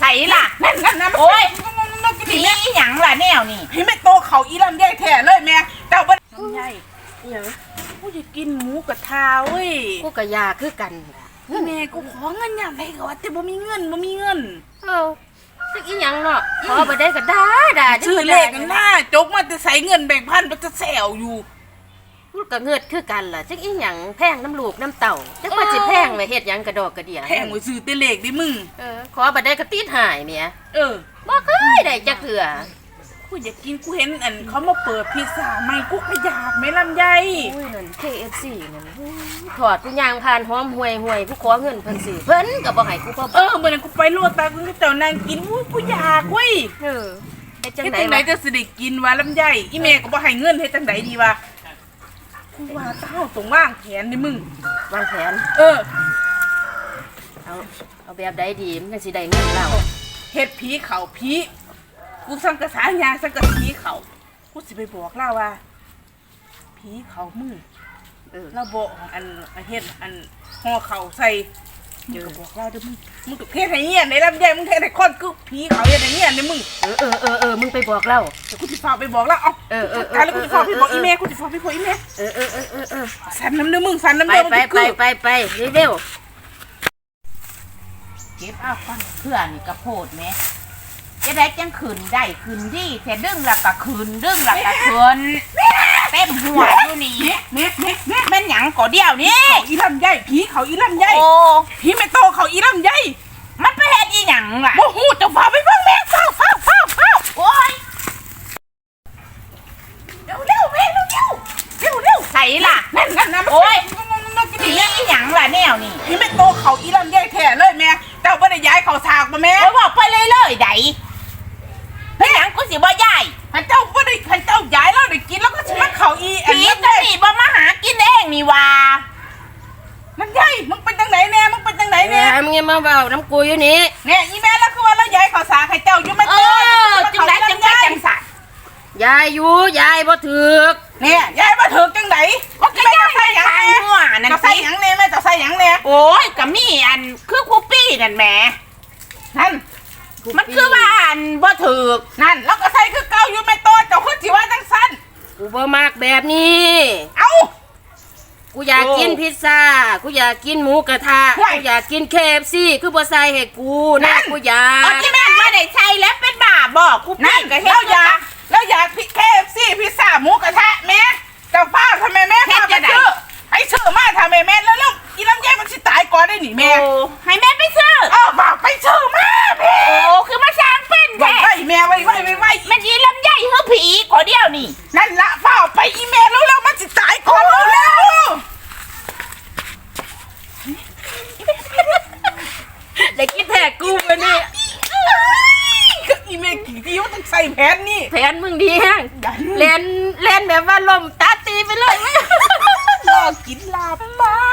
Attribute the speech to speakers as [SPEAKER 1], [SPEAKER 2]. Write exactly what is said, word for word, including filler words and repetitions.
[SPEAKER 1] ส่ล่ะนั่นนั่นนะโอ้ยผีหยังล่ะแนวนี่พี่ไม่โตเขาอีลำไยแท้เลยแม่เจ้าบ้านลำไยหยังกูจะกินหมูกระทะเว้ย
[SPEAKER 2] กูกะยาคือกัน
[SPEAKER 1] แม่กูขอเงินอย่างไรก็ว่าแต่บ่มีเงินบ่มีเงิน
[SPEAKER 2] เออจักอีหยังเนาะขอบ่ได้ก็ด่าด่า
[SPEAKER 1] ชื่อเลขกันหน้าจกมาแต่ใส่เงินแบ่งพันมันจะแซวอยู่
[SPEAKER 2] กูก็เงิดคือกันล่ะจักอีหยังแพงน้ำลูกน้ำเต่าจักว่าสิแพงไว้เฮ็ดหยังกระดอกกระเดี่ย
[SPEAKER 1] แพงไว้ซื้อแต่เลขดิมึง
[SPEAKER 2] เออขอบ่ได้ก็ติดหายเมีย
[SPEAKER 1] เออ
[SPEAKER 2] บ่เคยได้จักเทื่อ
[SPEAKER 1] กูอยากกินกูเห็นอันเขามาเปิดพิซซ่าใหม่กูก็อยากไม่ลำไย
[SPEAKER 2] อุ้ยนั่น เค เอฟ ซี นั่นถอดกูย่างผ่านหอมห่วยห่วยกูขอเงินเพิ่นซื้อเพิ่นก็บ่ให้กูเพิ่ม
[SPEAKER 1] เออเมื่อนั้นกูไปลวดตากูเจ้านางกินอู้กูอยากเว้ย
[SPEAKER 2] เออไอ้จังได๋
[SPEAKER 1] จังได๋จะสิได้กินวะลำไยอีแม่ก็บ่ให้เงินเฮ็ดจังได๋ดีวะกูว่าเต้าตรงว่างแขนนี่มึง
[SPEAKER 2] วางแผน
[SPEAKER 1] เออ
[SPEAKER 2] เอาเอาแบบใดดีมันจังสิได้เงินเรา
[SPEAKER 1] เฮ็ดผีเขาผีกูสังกะสายาสังกะผีเขากูสิไปบอกเล่าว่าผีเขามึงเออเราบอกอันเฮ็ดอันห่อเขาใส่มึงก็บอกเล่าเด้อมึงมึงก็เฮ็ดให้เงี้ยในลำไยมึงเฮ็ดให้คนกูผีเขาเฮ็ดให้เงี้ยในมึง
[SPEAKER 2] เออเออเออเออมึงไปบอกเล่า
[SPEAKER 1] เดี๋ยวกูสิฝากไปบอกเล่าเอ้า
[SPEAKER 2] เออเออ
[SPEAKER 1] แล้วกูสิฝากไปบอกอีเมลกูสิฝากไปบอกอีเมล
[SPEAKER 2] เออเออเออเออเออ
[SPEAKER 1] สันน้ำเด้อมึงสันน้ำ
[SPEAKER 2] เด้อไปไปไปไปเร็ว
[SPEAKER 1] เก็บเอาฟังเพื่อนนี่กระโพดแม่จะได้จังขืนได้ขืนดีแต่ดึงหลักกะขืนดึงหลักกะขืนเต็มหัวอยู่นี่เม็ดเม็ดเม็ดมันหยังก่อเดียวนี่เขาอีลำไยผีเขาอีลำไยโอ้ผีไม่โตเขาอีลำไยมันไปเฮ็ดอีหยังล่ะโอ้โหจะฟ้าไปเบิ่งแม่เฝ้าเฝ้าเฝ้าเฝ้าโอ้ยเร็วเร็วแม่เร็วเร็วเร็วเร็วใส่ล่ะนั่นนั่นนะโอ้ยผีอีหยังล่ะแนวนี่ผีไม่โตเขาอีลำไยแท้เลยแม่เจ้าบ่ได้ย้ายเขาฉากมาแม่บอกไปเลยเลยไดเฮ้ยหยังกูสิบ่ย้ายพันเจ้าบ่ได้พันเจ้าย้ายแล้วได้กินแล้วก็สิมาเขาอีผีจะนี่บ่มาหากินเองนี่ว่ามันใหญ่มึงเป็นจังไหนแน่มึงเป็นจังไหนแน่
[SPEAKER 2] มึงอย่ามาเว้าน้ำกูอยู่นี่
[SPEAKER 1] เนี่ยอีแม่แล้วคือว่าเราย้ายเขาฉากให้เจ้าอยู่ไม่เออจังไดจังไดจังสัตว์
[SPEAKER 2] ยายอยู่ยายบ่ถึก
[SPEAKER 1] เนี่ยยายบ่ถึกจังไหนว่าจะใส่หยังแน่จะใส่หยังแน่แม่จะใส่หยังแน่โอ้ยก็มีอันคือคูปี้นั่นแหมนั่นมันคือว่าอันบ่ถึกนั่นแล้วก็ใส่คือเก่าอยู่ไม่โตเจ้าคือสิว่าจังซั่น
[SPEAKER 2] กูบ่มักแบบนี้
[SPEAKER 1] เอ้า
[SPEAKER 2] กูอยากกินพิซซ่ากูอยากกินหมูกระทะกูอยากกิน เค เอฟ ซี คือบ่ใส่ให้กูนะกูอยาก
[SPEAKER 1] อ๋อที่แม่ไม่ได้ใส่แล้วเป็นบ้าบอกกูนั่นก็เฮ็ดแล้วอยากแล้วอยาก เค เอฟ ซี พิซซ่าหมูกระทะแม่เจ้าฟ้าทำไมแม่พาไปซื้อให้ซื้อมาทำไมแม่แล้วแล้วอีลำไยมันสิตายก่อนได้หนิแม่ให้แม่ไปซื้อเออบอกไปซื้อมาแม่โอ้คือมาสร้างเป็นแท้ไว้แม่ไว้ไว้ไว้ไว้มันอีลำไยเฮือผีขอเดียวนี่นั่นละฟ้าไปอีแม่แล้วแล้วมันสิตายก่อนแล้ว
[SPEAKER 2] ได้กินแท้กูมื้อนี้
[SPEAKER 1] ก็อีแม่กี่ที่ว่าต้องใส่แผนนี่
[SPEAKER 2] แผนมึงดีแฮงเล่นเล่นแบบว่าลมตาตีไปเลย
[SPEAKER 1] รอกินลาบปลา